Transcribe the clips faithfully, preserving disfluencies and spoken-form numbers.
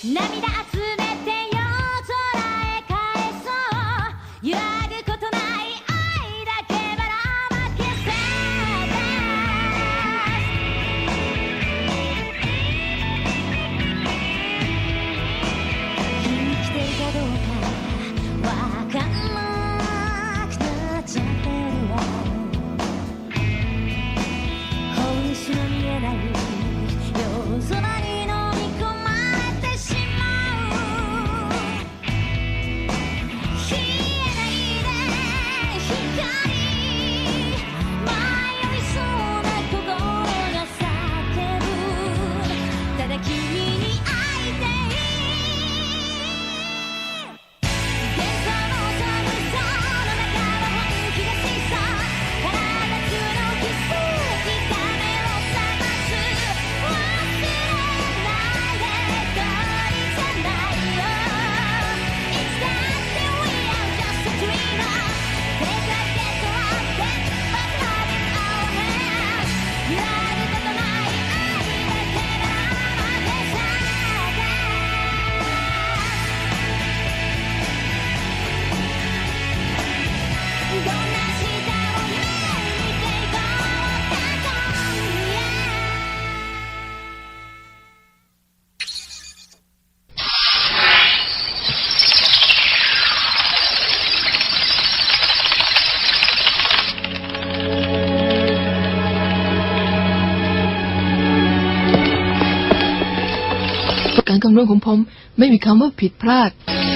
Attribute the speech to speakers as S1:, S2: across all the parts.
S1: การคำนวณของผมไม่มีคำว่าผิดพลาด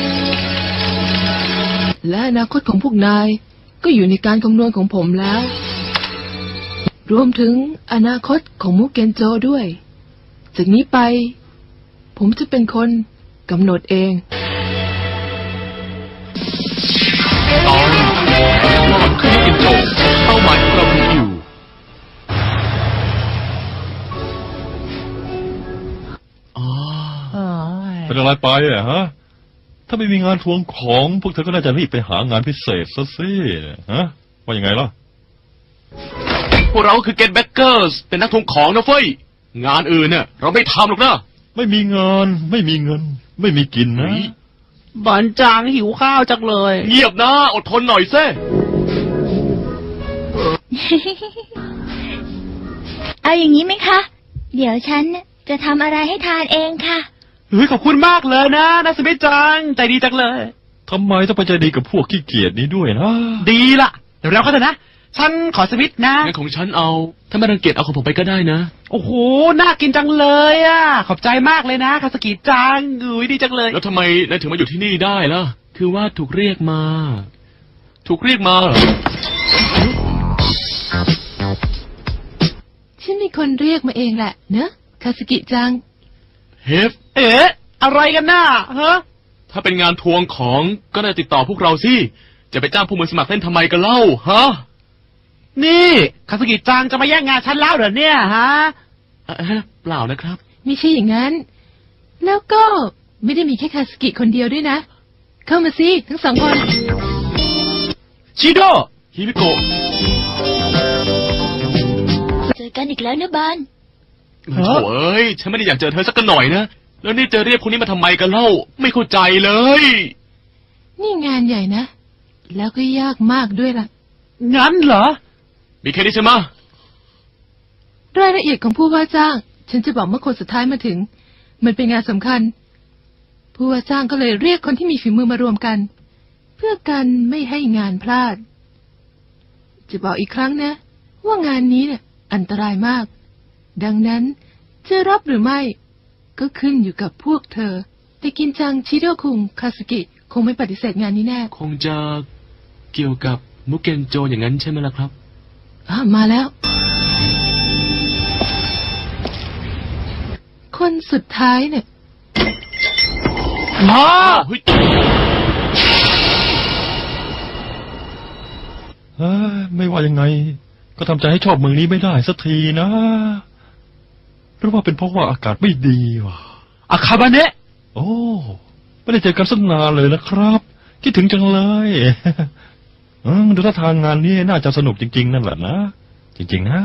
S1: และอนาคตของพวกนายก็อยู่ในการคำนวณของผมแล้วรวมถึงอนาคตของมุกเกนโจด้วยจากนี้ไปผมจะเป็นคนกำหนดเอง
S2: ตอนรอดขึ้นมุกเกนโจเป้าหมายของเราคืออยู่
S3: เป็นอะไรไปอ่ะฮะถ้าไม่มีงานทวงของพวกเธอก็น่าจะรีบไปหางานพิเศษซะสิฮะว่ายังไงล่ะ
S2: พวกเราคือเกตแบ็กเกอร์สเป็นนักทวงของนะเฟ้ยงานอื่นเนี่ยเราไม่ทำหรอกนะ
S3: ไม่มีงานไม่มีเงินไม่มีกินนะ
S4: บันจางหิวข้าวจังเลย
S2: เงียบนะอดทนหน่อยเซ่
S5: เอาอย่างนี้ไหมคะเดี๋ยวฉันจะทำอะไรให้ทานเองค่ะ
S4: เฮ้ยขอบคุณมากเลยนะนัสมิจังใจดีจังเลย
S3: ทำไมต้องไปใจดีกับพวกขี้เกียจนี้ด้วยนะ
S4: ดีละเดี๋ยวเราก็เถอะนะฉันขอสวิตนะ
S2: งั้นของฉันเอาถ้าไม่รังเกียจเอาของผมไปก็ได้นะ
S4: โอ้โหน่ากินจังเลยอ่ะขอบใจมากเลยนะคาสกิจังอุ้ยดีจังเลย
S2: แล้วทำไมนายถึงมาอยู่ที่นี่ได้ล่ะคือว่าถูกเรียกมาถูกเรียกมาเหรอ
S1: ฉันมีคนเรียกมาเองแหละเนอะคาสกิจัง
S2: เฮฟ
S4: เอ๊ะอะไรกันน่ะฮะ
S2: ถ้าเป็นงานทวงของก็ได้ติดต่อพวกเราสิจะไปจ้างผู้มือสมัครเล่นทำไมกันเล่าฮะ
S4: นี่คาสกิจังจะมาแย่งงานฉันแล้วเหรอเนี่ยฮะ
S2: เปล่านะครับ
S1: ไม่ใช่อย่างนั้นแล้วก็ไม่ได้มีแค่คาสกิคนเดียวด้วยนะเข้ามาสิทั้งสองคน
S2: ชิโดฮิบิโกะ
S5: เจอกันอีกแล้วนะบาน
S2: โถ่เอ้ยฉันไม่ได้อยากเจอเธอสักหน่อยนะแล้วนี่จะเรียกคนนี้มาทำไมกันเล่าไม่เข้าใจเลย
S1: นี่งานใหญ่นะแล้วก็ยากมากด้วยล่ะ
S4: งั้นเหรอ
S2: มีแค่นี้ใช่ไหม
S1: รายละเอียดของผู้ว่าจ้างฉันจะบอกเมื่อคนสุดท้ายมาถึงมันเป็นงานสำคัญผู้ว่าจ้างก็เลยเรียกคนที่มีฝีมือมารวมกันเพื่อกันไม่ให้งานพลาดจะบอกอีกครั้งนะว่างานนี้เนี่ยอันตรายมากดังนั้นจะรับหรือไม่ก็ขึ้นอยู่กับพวกเธอแต่กินจังชิโดคุงคาสกิคงไม่ปฏิเสธงานนี้แน่
S2: คงจะเกี่ยวกับมุกเกนโจอย่างนั้นใช่ไหมล่ะครับ
S1: อ่ะมาแล้วคนสุดท้ายเนี่ย
S2: มา
S3: เฮ้ยไม่ว่ายังไงก็ทำใจให้ชอบเมืองนี้ไม่ได้สักทีนะหรือว่าเป็นเพราะว่าอากาศไม่ดีวะ
S4: อาคาบาเนะ
S3: โอ้ไม่ได้เจอกันสักนานเลยนะครับคิดถึงจังเลยดูท่าทางงานนี้น่าจะสนุกจริงๆนั่นแหละนะจริงๆนะ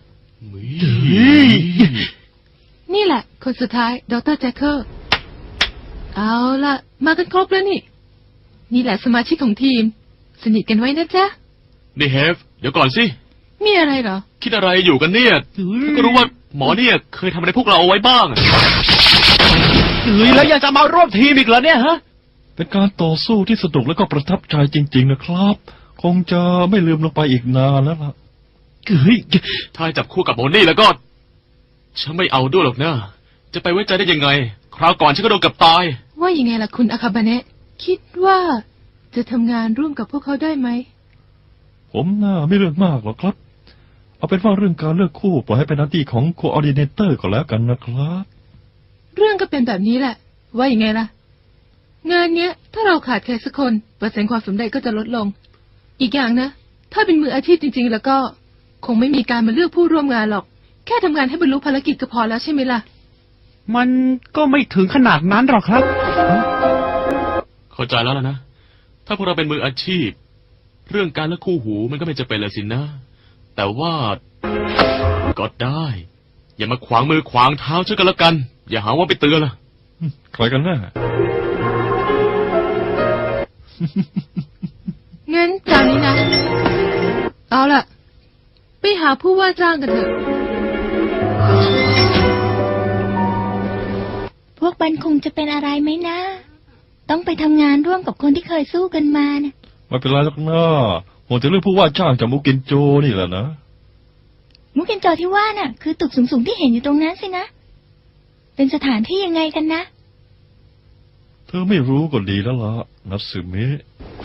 S1: นี่แหละคนสุดท้ายดรแจ็คเกอร์เอาล่ะ มากันครบแล้วนี่ นี่แหละสมาชิกของทีม สนิทกันไว้นะจ๊ะ
S2: นี่เฮฟ เดี๋ยวก่อนสิ
S1: มีอะไรเหรอ
S2: คิดอะไรอยู่กันเนี่ยก็รู้ว่าหมอเนี่ยเคยทำอะไรพวกเราเอาไว้บ้าง
S4: เฮ้ยแล้วยังจะมาร่วมทีมอีกเหรอเนี่ยฮะ
S3: เป็นการต่อสู้ที่สนุกและก็ประทับใจจริง ๆ นะครับ คงจะไม่ลืมลงไปอีกนานแล้วล่ะ
S4: เฮ้ย
S2: ถ้าให้จับคู่กับโมนี่แล้วก็ ฉันไม่เอาด้วยหรอกนะ จะไปไว้ใจได้ยังไง คราวก่อนฉันก็โดนกับตาย
S1: ว่ายังไงล่ะคุณอาคาบาเนะคิดว่าจะทำงานร่วมกับพวกเขาได้ไหม
S3: ผมน่าไม่เรื่องมากหรอกครับ เอาเป็นว่าเรื่องการเลือกคู่ปล่อยให้เป็นหน้าที่ของโคออร์ดิเนเตอร์ก็แล้วกันนะครับ
S1: เรื่องก็เป็นแบบนี้แหละ ว่ายังไงล่ะ งานเนี้ย ถ้าเราขาดใครสักคนเปอร์เซ็นต์ความสำเร็จก็จะลดลง อีกอย่างนะ ถ้าเป็นมืออาชีพจริง ๆ แล้วก็ คงไม่มีการมาเลือกผู้ร่วมงานหรอก แค่ทำงานให้บรรลุภารกิจก็พอแล้วใช่ไหมล่ะ
S4: มันก็ไม่ถึงขนาดนั้นหรอกครับ
S2: เข้าใจแล้วล่ะนะ ถ้าพวกเราเป็นมืออาชีพ เรื่องการเลือกคู่หูมันก็ไม่จะเป็นเลยสินะ แต่ว่าก็ได้ อย่ามาขวางมือขวางเท้าฉันกันละกัน อย่าหาว่าไปเตือนล่ะ
S3: ใครกันแน่
S1: งั้นจานนี้นะ เอาล่ะ ไปหาผู้ว่าจ้างกันเถอะ
S5: พวกบันคงจะเป็นอะไรไหมนะ ต้องไปทำงานร่วมกับคนที่เคยสู้กันมานะ
S3: ไม่เป็นไรหรอกนะผมจะเรื่องผู้ว่าจ้างจากมุกินโจนี่แหละนะ
S5: มุกเกนจอที่ว่าน่ะ คือตึกสูงๆที่เห็นอยู่ตรงนั้นสินะ เป็นสถานที่ยังไงกันนะ
S3: เธอไม่รู้ก็ดีแล้วล่ะนัตสึเมะ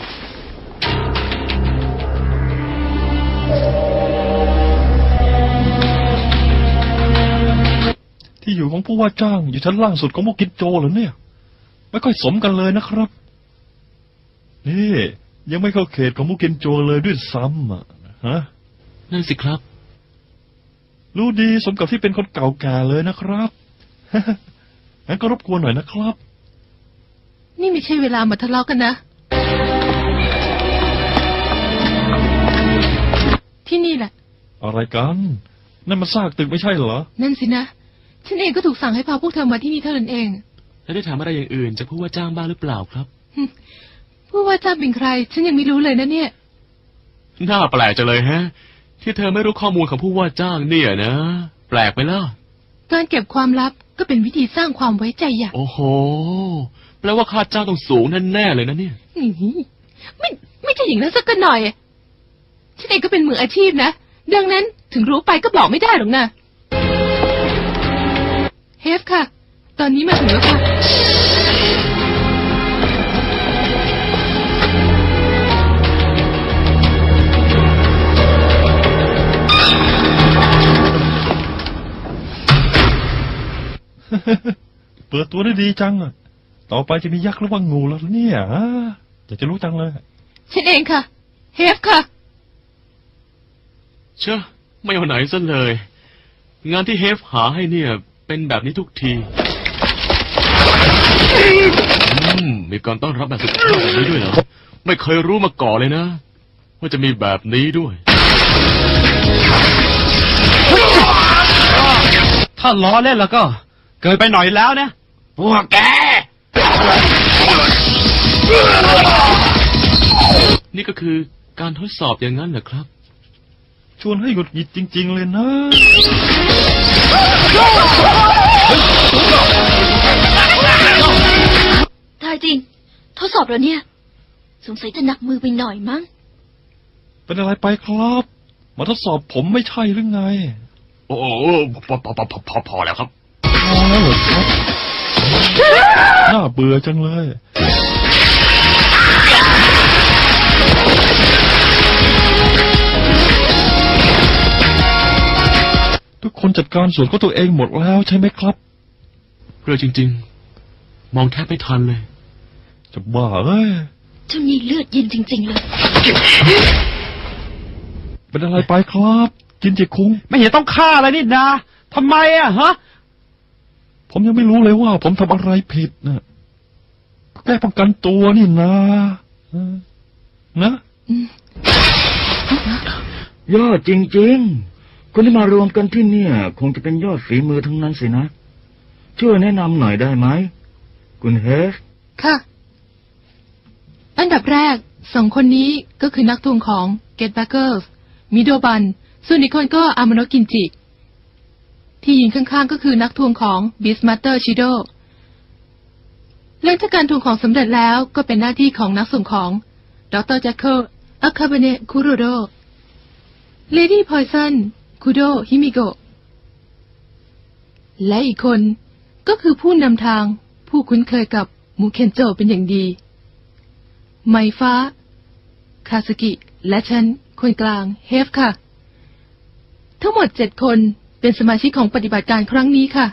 S3: ที่อยู่ของผู้ว่าจ้างอยู่ชั้นล่างสุดของมุกินโจเหรอเนี่ย ไม่ค่อยสมกันเลยนะครับ นี่ยังไม่เข้าเขตของมุกินโจเลยด้วยซ้ำอ่ะฮะ
S2: นั่นสิครับ
S3: รู้ดีสมกับที่เป็นคนเก่าแก่เลยนะครับ งั้นก็รบกวนหน่อยนะครับ
S1: นี่ไม่ใช่เวลามาทะเลาะกันนะ ที่นี่แหละ
S3: อะไรกัน นั่นมันซากตึกไม่ใช่เหรอ
S1: นั่นสินะ ฉันเองก็ถูกสั่งให้พาพวกเธอมาที่นี่เท่านั้นเอง
S2: แล้วได้ถามอะไรอย่างอื่นจากผู้ว่าจ้างบ้างหรือเปล่าครับ
S1: ผู้ว่าจ้างเป็นใคร ฉันยังไม่รู้เลยนะเนี่ย
S2: น่าแปลกจังเลยฮะ ที่เธอไม่รู้ข้อมูลของผู้ว่าจ้างเนี่ยนะ แปลกไปล่ะ
S1: การเก็บความลับก็เป็นวิธีสร้างความไว้ใจอย่าง
S2: โอ้โห แปลว่าค่าจ้างต้องสูงแน่ๆเลยนะเนี่ย
S1: นี่ไม่ไม่ใช่อย่างนั้นสักหน่อย ฉันเองก็เป็นมืออาชีพนะ ดังนั้นถึงรู้ไปก็บอกไม่ได้หรอกนะเฮฟค่ะ ตอนนี้มาถึงแล้วค่ะ
S3: เปิดตัวได้ดีจังอะต่อไปจะมียักษ์หรือว่างูแล้วเนี่ยฮะอยากจะรู้จังเลย
S1: ฉันเองค่ะ เฮฟค่ะ
S2: เชื่อไม่เอาไหนซะเลย งานที่เฮฟหาให้เนี่ย เป็นแบบนี้ทุกทีอืมมีการต้อนรับแบบสุดยอดแบบนี้ด้วยเหรอไม่เคยรู้มาก่อนเลยนะ ว่าจะมีแบบนี้ด้วย
S4: ถ้าล้อเล่นแล้วก็ เกินไปหน่อยแล้วนะพวกแก
S2: นี่ก็คือการทดสอบอย่างนั้นเหรอครับ
S3: ชวนให้หงุดหงิดจริง ๆ เลยนะ
S5: ตายจริง ทดสอบแล้วเนี่ย สงสัยจะหนักมือไปหน่อยมั้ง
S3: เป็นอะไรไปครับ มาทดสอบผมไม่ใช่หรือไง
S2: โอ้โหพอพอพอพอพอพอแล้วครับ
S3: พอแล้วเหรอครับ น่าเบื่อจังเลย ทุกคนจัดการส่วนของตัวเองหมดแล้วใช่ไหมครับ
S2: เรื่องจริง ๆ มองแทบไม่ทันเลย
S3: จะบ้าเอ้ย
S5: เจ้านี่เลือดเย็นจริง ๆ เลย
S3: เป็นอะไรไปครับ กินเจคุง
S4: ไม่เห็นต้องฆ่าอะไรนี่นาทำไมอะฮะ
S3: ผมยังไม่รู้เลยว่า ผมทำอะไรผิดนะก็แค่ป้องกันตัวนี่นะเออนะ
S6: ยอดจริงๆ คนที่มารวมกันที่เนี่ย คงจะเป็นยอดฝีมือทั้งนั้นสินะ ช่วยแนะนำหน่อยได้ไหมคุณเฮฟ
S1: ค่ะ อันดับแรกสองคนนี้ก็คือนักทวงของ Get Backers มิโดบัน ส่วนอีกคนก็อามาโนะกินจิ ที่ยืนข้างๆก็คือนักทวงของ Beastmaster Shido หลังจากการทวงของสำเร็จแล้วก็เป็นหน้าที่ของนักส่งของดรแจ็คเกิลอาคาเบเนะคุโรโด Lady Poison คุโดฮิมิโกะและอีกคนก็คือผู้นำทางผู้คุ้นเคยกับมูเคนโจเป็นอย่างดี ไมฟ้า คาสกิ และฉัน คนกลาง เฮฟค่ะ ทั้งหมดเจ็ดคนเป็นสมาชิกของปฏิบัติการครั้งนี้ค่ะ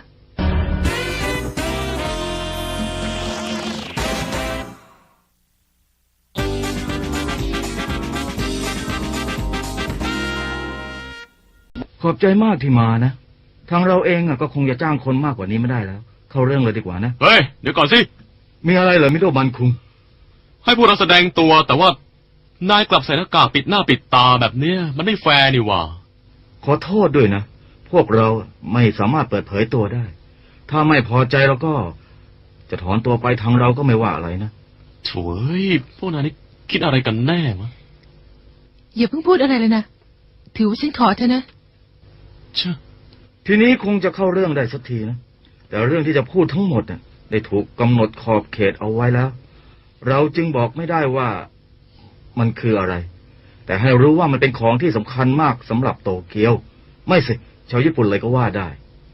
S6: ขอบใจมากที่มานะ ทางเราเองอะก็คงจะจ้างคนมากกว่านี้ไม่ได้แล้ว เข้าเรื่องเลยดีกว่านะ
S2: เฮ้ย เดี๋ยวก่อนสิ
S6: มีอะไรเหรอมิโดบันคุง
S2: ให้พวกเราแสดงตัวแต่ว่านายกลับใส่หน้ากากปิดหน้าปิดตาแบบเนี้ยมันไม่แฟร์นี่หว่า
S6: ขอโทษด้วยนะ พวกเราไม่สามารถเปิดเผยตัวได้ ถ้าไม่พอใจเราก็ จะถอนตัวไปทางเราก็ไม่ว่าอะไรนะ
S2: โถ่เอ้ยพวกนายนี่คิดอะไรกันแน่มะ
S1: อย่าเพิ่งพูดอะไรเลยนะ ถือว่าฉันขอเธอนะ
S2: เชื่อ
S6: ทีนี้คงจะเข้าเรื่องได้สักทีนะ แต่เรื่องที่จะพูดทั้งหมดน่ะได้ถูกกำหนดขอบเขตเอาไว้แล้ว เราจึงบอกไม่ได้ว่ามันคืออะไร แต่ให้รู้ว่ามันเป็นของที่สำคัญมากสำหรับโตเกียว ไม่สิชาวญี่ปุ่นเลยก็ว่าได้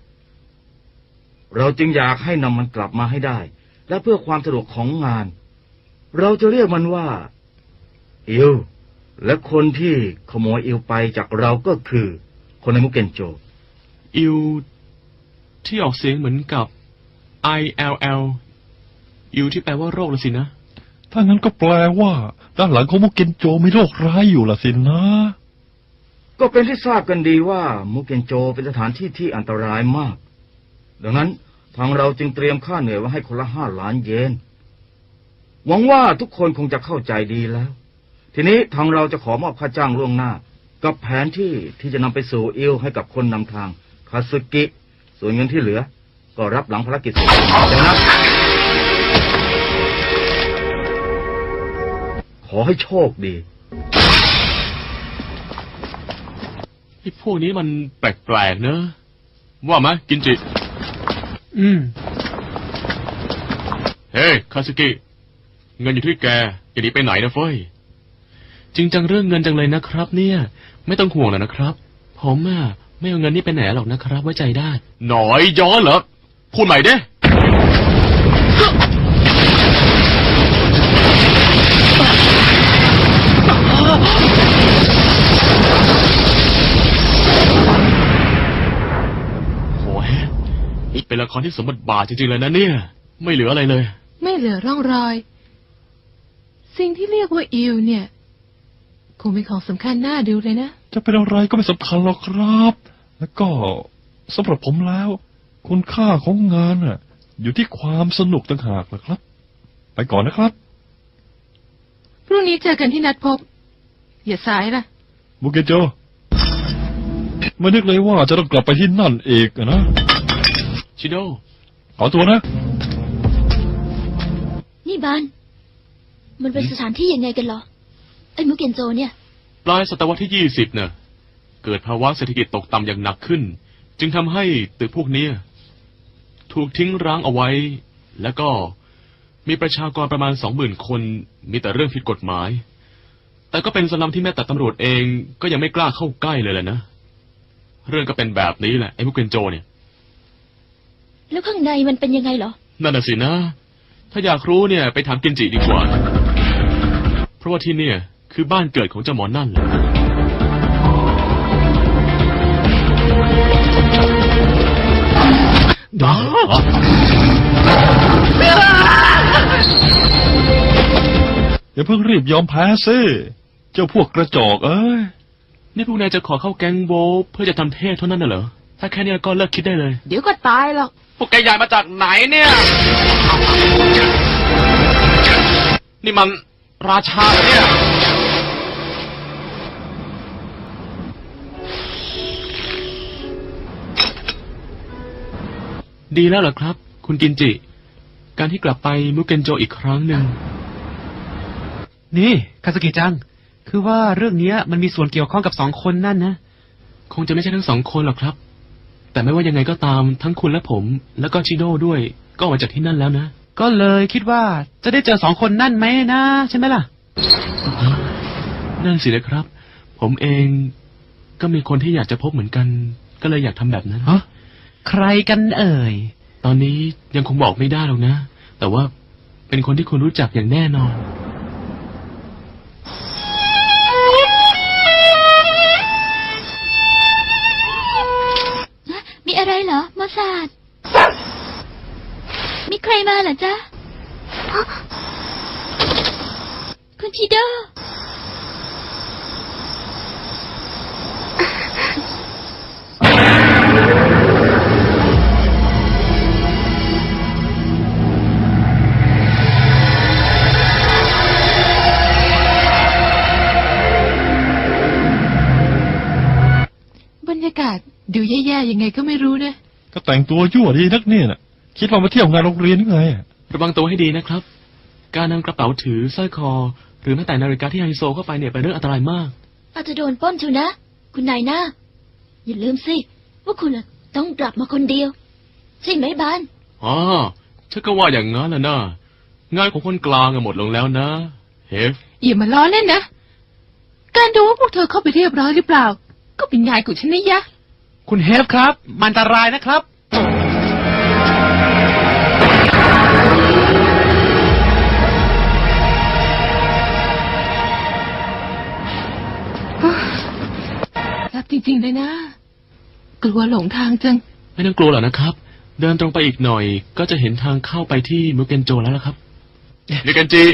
S6: เราจึงอยากให้นำมันกลับมาให้ได้ และเพื่อความสะดวกของงาน เราจะเรียกมันว่าอิวและคนที่ขโมยอิวไปจากเราก็คือคนในมุกเกนโจ
S2: อิวที่ออกเสียงเหมือนกับ I L L อิวที่แปลว่าโรคละสินะ
S3: ถ้างั้นก็แปลว่า ด้านหลังของมุกเกนโจมีโรคร้ายอยู่ล่ะสินะ
S6: ก็เป็นที่ทราบกันดีว่ามุกเกนโจเป็นสถานที่ที่อันตรายมาก ดังนั้นทางเราจึงเตรียมค่าเหนื่อยไว้ให้คนละห้าล้านเยน หวังว่าทุกคนคงจะเข้าใจดีแล้ว ทีนี้ทางเราจะขอมอบค่าจ้างล่วงหน้า กับแผนที่ที่จะนำไปสู่อิลให้กับคนนำทางคาสึกิ ส่วนเงินที่เหลือ ก็รับหลังภารกิจเสร็จแล้วนะขอให้โชคดี
S2: ไอ้พวกนี้มันแปลกๆเนอะว่าไหมกินจิ
S4: อืม
S2: เฮ้ยคาสึกิ เงินอยู่ที่แกอย่าหนีไปไหนนะเฟ้ย จริงจังเรื่องเงินจังเลยนะครับ เนี่ย ไม่ต้องห่วงแล้วนะครับ ผมอ่ะไม่เอาเงินนี่ไปไหนหรอกนะครับ ไว้ใจได้ หน่อยย้อนเหรอ พูดใหม่เด้โอ้ยเป็นละครที่สมบทบาทจริงๆเลยนะเนี่ย ไม่เหลืออะไรเลย
S1: ไม่เหลือร่องรอย สิ่งที่เรียกว่าอิวเนี่ย คงเป็นของสำคัญน่าดูเลยนะ
S3: จะเป็นอะไรก็ไม่สำคัญหรอกครับ แล้วก็สำหรับผมแล้ว คุณค่าของงานน่ะ อยู่ที่ความสนุกต่างหากล่ะครับ ไปก่อนนะครับ
S1: พรุ่งนี้เจอกันที่นัดพบ อย่าสายล่ะ
S3: มุกเกนโจไม่นึกเลยว่าจะต้องกลับไปที่นั่นเอกอะนะ
S2: ชิโด
S3: ขอตัวนะ
S5: นี่บาน มันเป็นสถานที่ยังไงกันเหรอ ไอ้มุกเกนโจเนี่ย
S2: ปลายศตวรรษที่ยี่สิบเน่ะ เกิดภาวะเศรษฐกิจตกต่ำอย่างหนักขึ้น จึงทำให้ตึกพวกเนี้ยถูกทิ้งร้างเอาไว้ แล้วก็มีประชากรประมาณสองหมื่นคน มีแต่เรื่องผิดกฎหมาย แต่ก็เป็นสลัมที่แม้แต่ตำรวจเองก็ยังไม่กล้าเข้าใกล้เลยแหละนะ เรื่องก็เป็นแบบนี้แหละไอ้มุกเกนโจเนี่ย
S5: แล้วข้างในมันเป็นยังไงเหรอ
S2: นั่นน่ะสินะ ถ้าอยากรู้เนี่ยไปถามกินจิดีกว่า เพราะว่าที่เนี่ยคือบ้านเกิดของเจ้าหมอนั่นแหละ
S3: ดาอย่าเพิ่งรีบยอมแพ้ซิเจ้าพวกกระจอกเอ้ย
S2: นี่พวกนายจะขอเข้าแก๊งโบทเพื่อจะทำเทศเท่านั้นน่ะเหรอ ถ้าแค่นี้ก็เลิกคิดได้เลย
S1: เดี๋ยวก็ตายหรอก
S4: พวกแกใหญ่มาจากไหนเนี่ย
S2: นี่มันราชาเนี่ย ดีแล้วเหรอครับ คุณกินจิการที่กลับไปมุกเกนโจอีกครั้งหนึ่ง
S4: นี่คาสกิจัง คือว่าเรื่องเนี้ยมันมีส่วนเกี่ยวข้องกับสองคนนั่นนะ
S2: คงจะไม่ใช่ทั้งสองคนหรอกครับ แต่ไม่ว่ายังไงก็ตามทั้งคุณและผม แล้วก็ชิโน่ด้วย ก็ออกมาจากที่นั่นแล้วนะ
S4: ก็เลยคิดว่าจะได้เจอสองคนนั่นไหมนะใช่ไหมล่ะ
S2: นั่นสินะครับ ผมเองก็มีคนที่อยากจะพบเหมือนกัน ก็เลยอยากทำแบบนั้น
S4: ฮะ ใครกันเอ่ย
S2: ตอนนี้ยังคงบอกไม่ได้หรอกนะ แต่ว่าเป็นคนที่คุณรู้จักอย่างแน่นอน
S5: มีอะไรเหรอมอสซาดมีใครมาเหรอจ๊ะคุณชิโด
S1: บรรยากาศดูแย่ๆยังไงก็ไม่รู้นะ
S3: ก็แต่งตัวยั่วดีนักเนี่ยน่ะ คิดว่ามาเที่ยวงานโรงเรียนหรือไงอะ
S2: ระวังตัวให้ดีนะครับ การนำกระเป๋าถือสร้อยคอ หรือแม้แต่นาฬิกาที่ไฮโซเข้าไปเนี่ยเป็นเรื่องอันตรายมาก
S5: อาจจะโดนปล้นชูนะ คุณนายหน้า อย่าลืมสิ ว่าคุณน่ะต้องกลับมาคนเดียว ใช่ไหมบาน
S2: อ๋อฉันก็ว่าอย่างนั้นแหละนะงานของคนกลางอะหมดลงแล้วนะเฮฟ
S1: อย่ามาล้อเล่นนะ การดูว่าพวกเธอเข้าไปเรียบร้อยหรือเปล่า ก็เป็นงานของฉันนะยะ
S4: คุณเฮฟครับ มันอันตรายนะครับ
S1: รับจริงๆเลยนะ กลัวหลงทางจัง
S2: ไม่ต้องกลัวหรอกนะครับ เดินตรงไปอีกหน่อย ก็จะเห็นทางเข้าไปที่มุกเกนโจแล้วล่ะครับมุกเกนจิ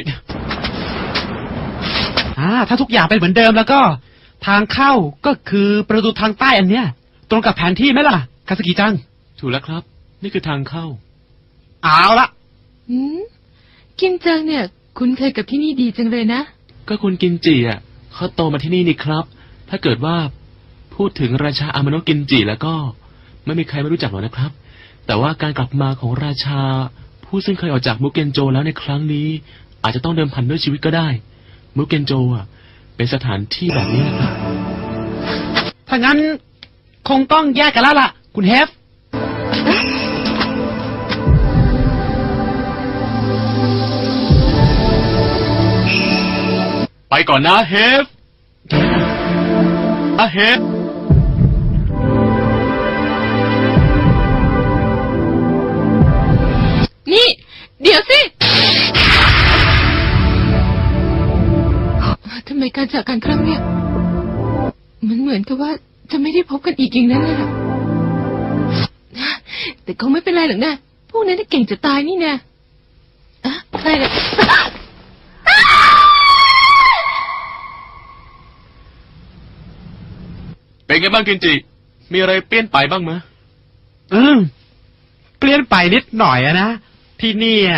S4: อ่า ถ้าทุกอย่างเป็นเหมือนเดิมแล้วก็ ทางเข้าก็คือประตูทางใต้อันเนี้ย ตรงกับแผนที่ไหมล่ะคาสกิจัง
S2: ถูกแล้วครับ นี่คือทางเข้า
S4: เอาละ
S1: อืมกินจังเนี่ย คุ้นเคยกับที่นี่ดีจังเลยนะ
S2: ก็คุณกินจิอ่ะเขาโตมาที่นี่นี่ครับ ถ้าเกิดว่าพูดถึงราชาอามาโนะกินจิแล้วก็ไม่มีใครไม่รู้จักหรอกนะครับ แต่ว่าการกลับมาของราชา ผู้ซึ่งเคยออกจากมุกเกนโจแล้วในครั้งนี้ อาจจะต้องเดิมพันด้วยชีวิตก็ได้ มุกเกนโจอ่ะเป็นสถานที่แบบนี้นะครับ
S4: ถ้างั้นคงต้องแยกกันแล้วล่ะ คุณเฮฟ
S2: ไปก่อนนะเฮฟอะเฮฟ
S1: นี่ เดี๋ยวสิ ทำไมการจากกันครั้งเนี้ยมันเหมือนกับว่าจะไม่ได้พบกันอีกอย่างนั้นเลยล่ะ แต่คงไม่เป็นไรหรอกนะ พวกนั้นน่ะเก่งจะตายนี่นะอะอะไรเนี่ย
S2: เป็นไงบ้างกินจิ มีอะไรเปลี่ยนไปบ้างมะ
S4: อืมเปลี่ยนไปนิดหน่อยอะนะ ที่นี่อะ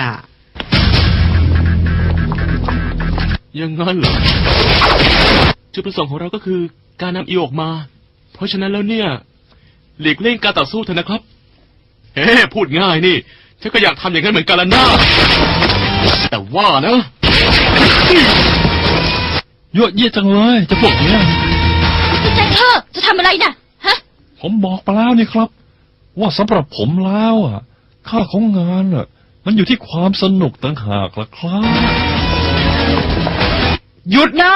S2: ยังงั้นเหรอ จุดประสงค์ของเราก็คือการนำอีออกมา เพราะฉะนั้นแล้วเนี่ย หลีกเลี่ยงการต่อสู้เถอะนะครับ เฮ้พูดง่ายนี่ ฉันก็อยากทำอย่างนั้นเหมือนกันละนะแต่ว่านะ
S3: ยั่วเยี่ยจังเลยจะพวกเนี้ย
S5: คุณใจเธอจะทำอะไรน่ะ ฮะ
S3: ผมบอกไปแล้วนี่ครับ ว่าสำหรับผมแล้วอ่ะ ค่าของงานอ่ะ มันอยู่ที่ความสนุกต่างหากล่ะครับ
S4: หยุดนะ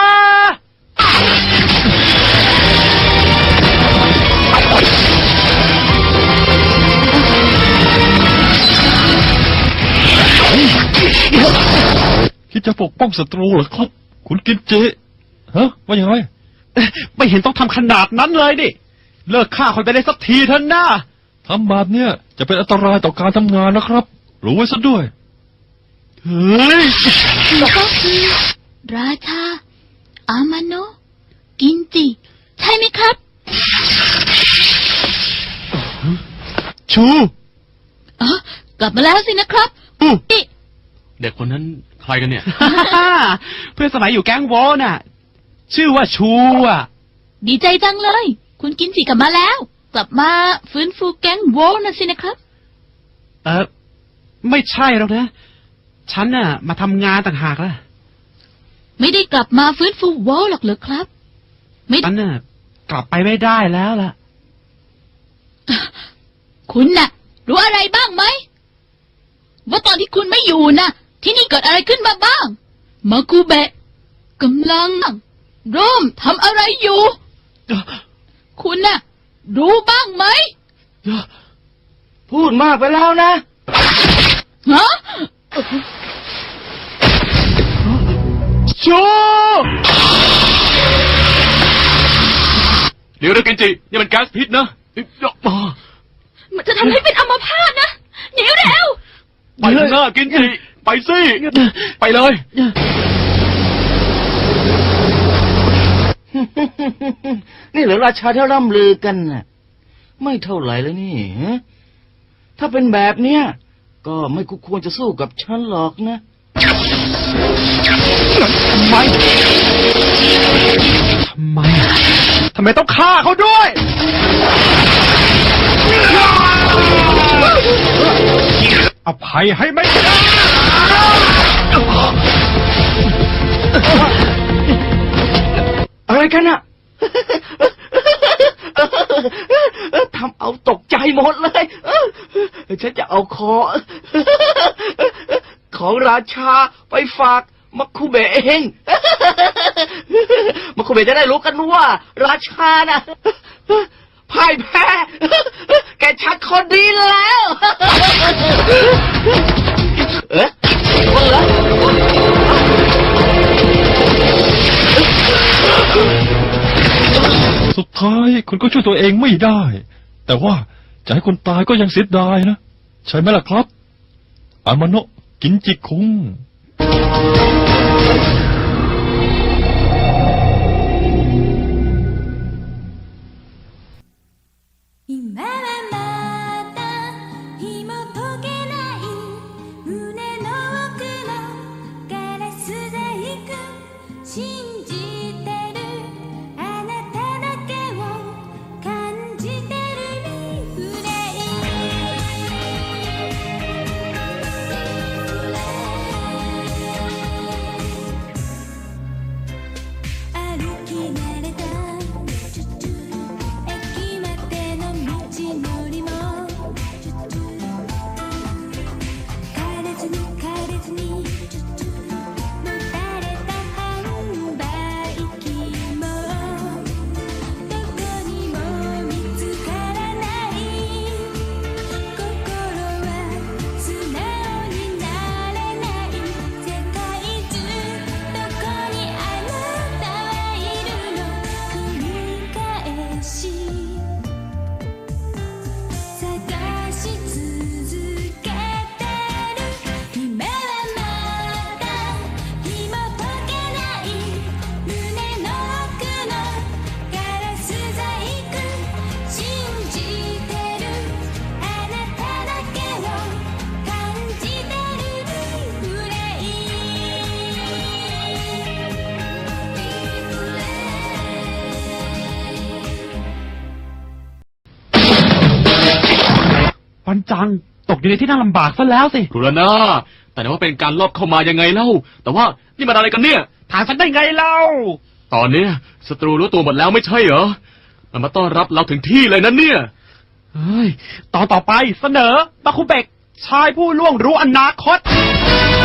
S3: คิดจะปกป้องศัตรูเหรอครับ คุณกินเจ ฮะ ว่าอย่างไร
S4: ไม่เห็นต้องทำขนาดนั้นเลยดิ เลิกฆ่าคนไปได้สักทีเถอะนะ
S3: ทำแบบเนี้ยจะเป็นอันตรายต่อการทำงานนะครับ รู้ไว้ซะด้วย
S4: เฮ้ย
S5: ก็คือราชา อามาโนะกินจิ ใช่ไหมครับ
S4: ชู
S5: อ๋อกลับมาแล้วสินะครับ
S4: อู้
S5: นี่
S2: เด็กคนนั้นใครกันเนี่ย
S4: เพื่อนสมัยอยู่แก๊งโวน่ะ ชื่อว่าชูอ่ะ
S5: ดีใจจังเลย คุณกินจิกลับมาแล้ว กลับมาฟื้นฟูแก๊งโวลน่ะสินะครับ
S4: เออไม่ใช่หรอกนะ ฉันน่ะมาทำงานต่างหากล่ะ
S5: ไม่ได้กลับมาฟื้นฟูวอลหรอกเหรอครับ ไม่
S4: ฉันน่ะกลับไปไม่ได้แล้วล่ะ
S5: คุณน่ะ รู้อะไรบ้างไหม ว่าตอนที่คุณไม่อยู่น่ะ ที่นี่เกิดอะไรขึ้นมาบ้าง มากูเบะกำลังร่มทำอะไรอยู่ คุณน่ะ รู้บ้างไหม
S6: พูดมากไปแล้วนะ
S5: ฮะ
S2: โชเดี๋ยวนะเกนจินี่มันแก๊สพิษนะเอ้ยมา
S5: มันจะทำให้เป็นอัมพาตนะหนีเร็ว
S2: ไปเถอะหน้าเกนจิไปสิไปเลย
S6: นี่เหรอราชาที่ร่ำลือกันน่ะ ไม่เท่าไหร่เลยนี่ฮะถ้าเป็นแบบเนี้ยก็ไม่คู่ควรจะสู้กับฉันหรอกนะ
S4: ทำไม ทำไม ทำไมต้องฆ่าเขาด้วย อภัยให้ไม่ได้
S6: อะไรกันอะ ทำเอาตกใจหมดเลย ฉันจะเอาคอ ของราชาไปฝากมักคุเบะเอง มักคุเบะจะได้รู้กันว่า ราชาน่ะพ่ายแพ้ แกชักคนดีแล้ว เอ๊ะคนเหรอ
S3: สุดท้ายคุณก็ช่วยตัวเองไม่ได้ แต่ว่าจะให้คนตายก็ยังเสียดายนะ ใช่ไหมล่ะครับ อามาโนะกินจิคุง
S7: 今はまだ紐解けない胸の奥のガラス細工信じてるあなただけを感じてるリフレイ歩き慣れた駅までの道のりも枯れずに枯れずにもたれた販売機もどこにも見つからない心は素直になれない世界中どこにあなたはいるの繰り返し探し続けてる今はまだ紐解けない胸の奥のガラス細工信じてるあなただけを感じてるリフレイリフレイ
S4: วันจังตกอยู่ในที่นั่งลำบากซะแล้วสิ
S2: ครูนาแต่ว่าเป็นการลอบเข้ามายังไงเล่า แต่ว่านี่มันอะไรกันเนี่ย
S4: ถามฉันได้ไงเล่า
S2: ตอนเนี้ยศัตรูรู้ตัวหมดแล้วไม่ใช่เหรอ มันมาต้อนรับเราถึงที่เลยนะเนี่ย
S4: เฮ้ย ตอนต่อไปเสนอมาคุเบกชายผู้ล่วงรู้อนาคต